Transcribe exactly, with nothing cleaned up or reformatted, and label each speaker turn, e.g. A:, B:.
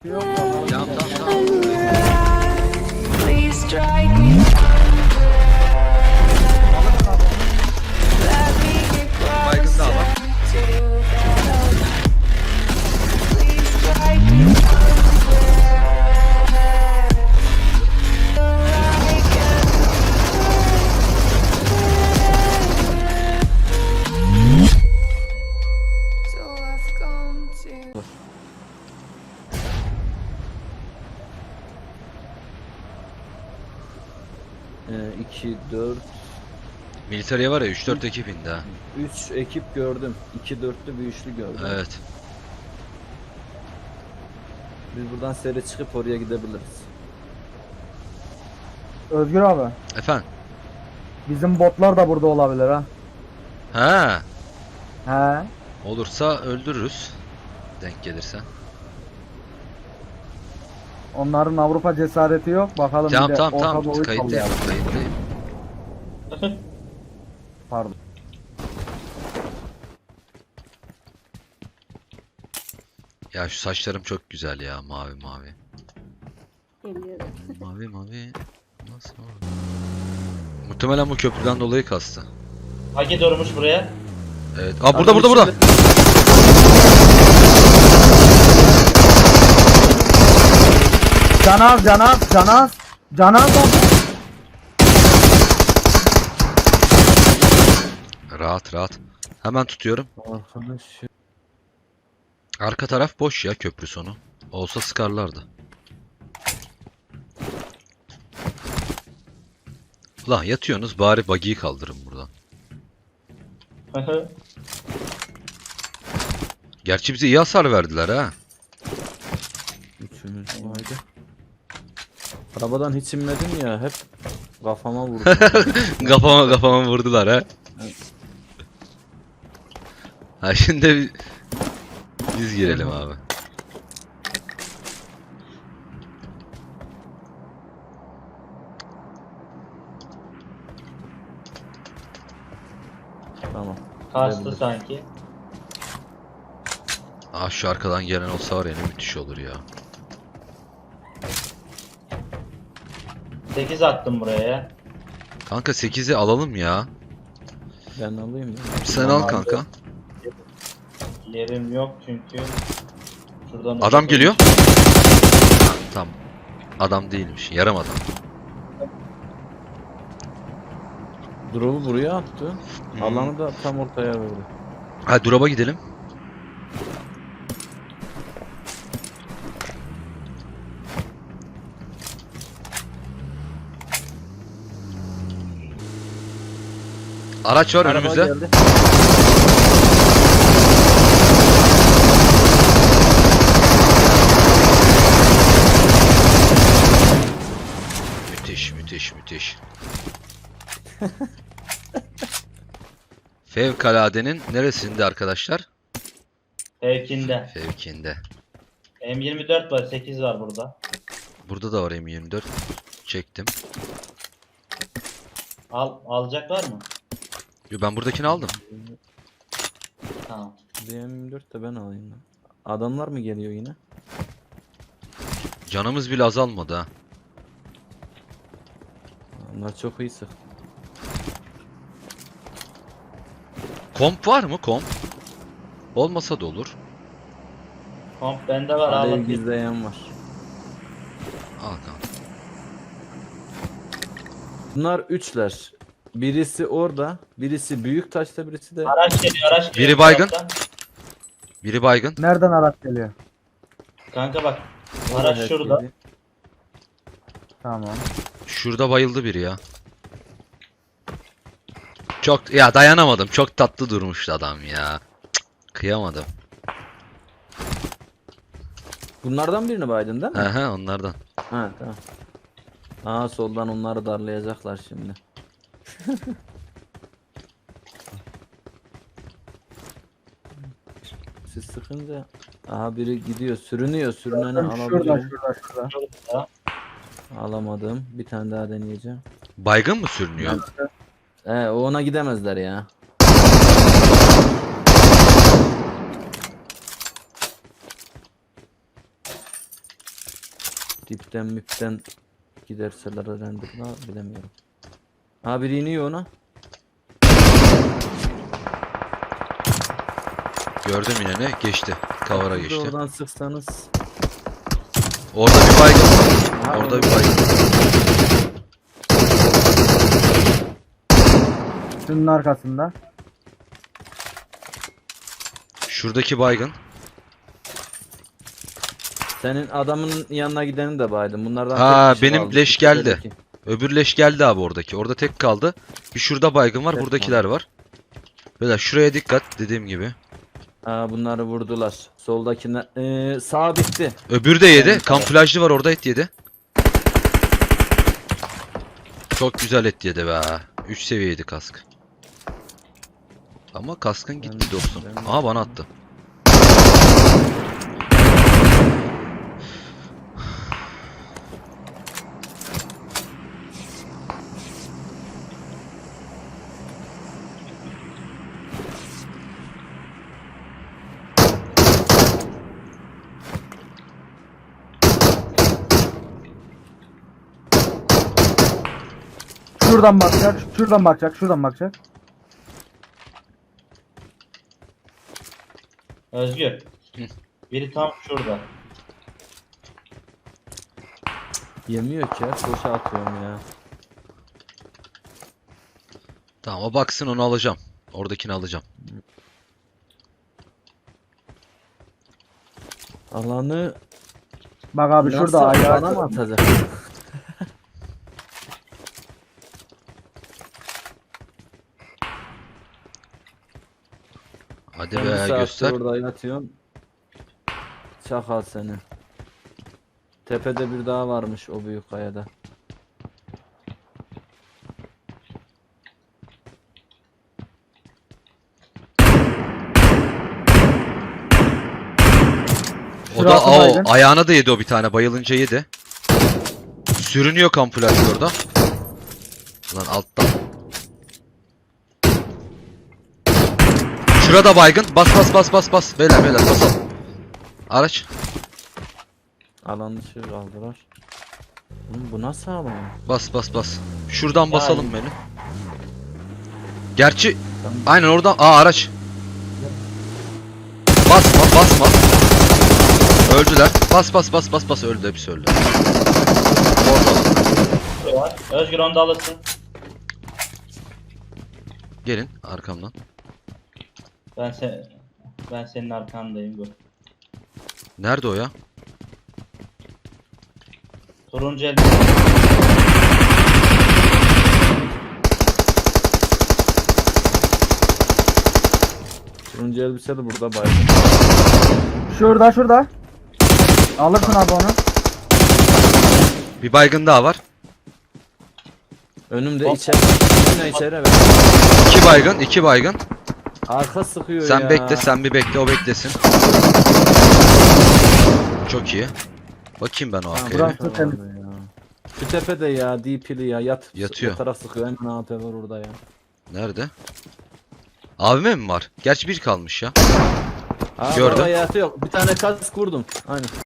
A: Yok tamam.
B: Tamam tamam tamam.
C: Please strike me. Let me get
B: Baygın da adam.
C: closer to the Please strike me. So I've come to
A: iki, dört,
B: Militariye var ya üç dört ekip indi ha.
A: üç ekip gördüm. iki dörtlü bir üçlü gördüm.
B: Evet.
A: Biz buradan seri çıkıp oraya gidebiliriz.
D: Özgür abi,
B: Efendim.
D: bizim botlar da burada olabilir ha.
B: Ha.
D: He.
B: Olursa öldürürüz. Denk gelirse.
D: Onların Avrupa cesareti yok. Bakalım bir
B: Tamam
D: de
B: tamam
D: Orta
B: tamam.
D: Doğu'yu
B: Kayıttayım.
D: sallayalım.
B: Kayıttayım.
D: Pardon.
B: Ya şu saçlarım çok güzel ya. Mavi mavi.
E: Geliyorum.
B: Mavi mavi. Nasıl mavi? Muhtemelen bu köprüden dolayı kastı.
F: Haki durmuş buraya.
B: Evet. Aa burada burada burada.
D: Canaz, Canaz, Canaz. Canaz abi.
B: Rahat rahat. Hemen tutuyorum.
A: Arkadaş.
B: Arka taraf boş ya, köprü sonu. Olsa sıkarlardı. Ulan yatıyorsunuz, bari buggy'yi kaldırın buradan. Gerçi bize iyi hasar verdiler ha.
A: Üçümüz vardı. Arabadan hiç inmedim ya, hep kafama vurdu.
B: Kafama kafama vurdular ha. Ha şimdi bi- biz girelim abi.
A: Tamam.
F: Kastı
A: Gidebiliriz.
F: sanki.
B: Ah şu arkadan gelen olsa var ya, ne müthiş olur ya.
F: sekiz attım buraya.
B: Kanka sekizi alalım ya.
A: Ben alayım ya.
B: Sen al kanka.
F: Yerim yok çünkü. Şuradan
B: Adam geliyor. Tamam. Adam değilmiş. Yarım adam.
A: Drop'u buraya attı.
B: Hmm.
A: Alanı da tam ortaya verdi.
B: Hadi drop'a gidelim. Araç var
A: Araba
B: önümüzde.
A: geldi.
B: Müthiş, müthiş, müthiş. Fevkaladenin neresinde arkadaşlar?
F: Fevkinde.
B: Fevkinde.
F: M yirmi dört var, sekiz var burada.
B: Burada da var M yirmi dört. Çektim.
F: Al, alacak var mı?
B: Yo, ben buradakini aldım.
F: Tamam.
A: D M yirmi dört de ben alayım lan. Adamlar mı geliyor yine?
B: Canımız bile azalmadı ha.
A: Onlar çok iyi sık.
B: Komp var mı komp? Olmasa da olur.
F: Komp bende var, al
A: Alev
F: bakayım.
A: gizleyen var.
B: Al kanka.
A: Bunlar üçler. Birisi orada, birisi büyük taşta, birisi de
F: Araç geliyor, araç geliyor.
B: Biri
F: bu
B: baygın.
F: taraftan.
B: Biri baygın.
D: Nereden araç geliyor?
F: Kanka bak.
A: orada
F: Araç
A: hack
F: şurada.
A: yedi.
D: Tamam.
B: Şurada bayıldı biri ya. Çok ya, dayanamadım. Çok tatlı durmuştu adam ya. Cık, kıyamadım.
A: Bunlardan birini baydın değil mi?
B: He he, onlardan.
A: Ha tamam. Aa soldan onları darlayacaklar şimdi. Siz sıkınca aha biri gidiyor, sürünüyor, sürüneni
D: Şurada,
A: alabiliyorum.
D: şurada, şurada.
F: Şurada.
A: Alamadım. Bir tane daha deneyeceğim.
B: Baygın mı sürünüyor?
A: Ee, o ona gidemezler ya. Dipten müpten giderseler renderla bilemiyorum. Ha biri iniyor ona.
B: Gördüm yine ne? Geçti. Kavara
A: Siz de
B: geçti.
A: oradan sıksanız.
B: Orada bir baygın var.
A: Ha,
B: Orada
A: onu-
B: bir baygın.
D: Şunun arkasında.
B: Şuradaki baygın.
A: Senin adamın yanına gideni de baydım. Bunlardan
B: Ha,
A: tek kişi
B: benim
A: kaldı.
B: leş geldi.
A: Tepedeki.
B: Öbür leş geldi abi oradaki. Orada tek kaldı. Bir şurada baygın var.
A: Tek
B: Buradakiler var. Böyle şuraya dikkat dediğim gibi.
A: Ha bunları vurdular. Soldakine ee, sağ bitti.
B: Öbürü de yedi.
A: Yani-
B: Kamuflajlı var orada, et yedi. Çok güzel et yedi be. üç seviyeydi kask. Ama kaskın gitti
A: Ben-
B: dostum.
A: ben-
B: Aha bana attı.
D: Şuradan bakacak, şuradan bakacak, şuradan bakacak.
F: Özgür.
B: Hı.
F: Biri tam şurada.
A: Yemiyor ki ya. Boşa atıyorum ya.
B: Tamam, o baksın, onu alacağım. Oradakini alacağım.
A: Alanı
D: Bak abi
A: nasıl
D: şurada
A: bana
D: ayağı.
A: mı atacak?
B: Hadi
A: Ben bir
B: be
A: saattir
B: göster.
A: orada yatıyorum. Çakal seni. Tepede bir daha varmış o büyük kayada.
B: O da
D: Şurası
B: o
D: baygın.
B: ayağına da yedi, o bir tane bayılınca yedi. Sürünüyor kamuflaj orada. Lan alttan. Şurada baygın. Bas bas bas bas bas. Beyler beyler basalım. Araç.
A: Alan dışı kaldılar. Oğlum bu nasıl alan?
B: Bas bas bas. Şuradan
F: Ya,
B: basalım beni. Gerçi aynen oradan. Aa, araç. Basma basma. Öldüler. Bas bas bas bas bas, öldü, hepsi öldü. Ortalık.
F: Şurada var. Özgür onu da alırsın.
B: Gelin arkamdan.
F: Ben sen ben senin arkandayım bu.
B: Nerede o ya?
F: Turuncu el.
A: Turuncu elbise de burada baygın.
D: Şurada, şurada. Alırsın abi onu.
B: Bir baygın daha var.
A: Önümde
F: Hop.
A: içeri. Önüne içeri ver.
B: İki baygın, iki baygın.
A: Arka sıkıyor
B: Sen
A: ya.
B: bekle, sen bir bekle, o beklesin. Çok iyi. Bakayım ben o
A: Tamam,
B: arkaya.
D: bırak.
B: bir.
A: burası vardı ya. Şu tepede ya D P'li ya yat.
B: Yatıyor.
A: O taraf sıkıyor, hemen A P var orada ya.
B: Nerede? Abime mi var? Gerçi bir kalmış ya.
A: Aa,
B: Gördüm.
A: orada yatıyor. Bir tane kask vurdum. Aynen.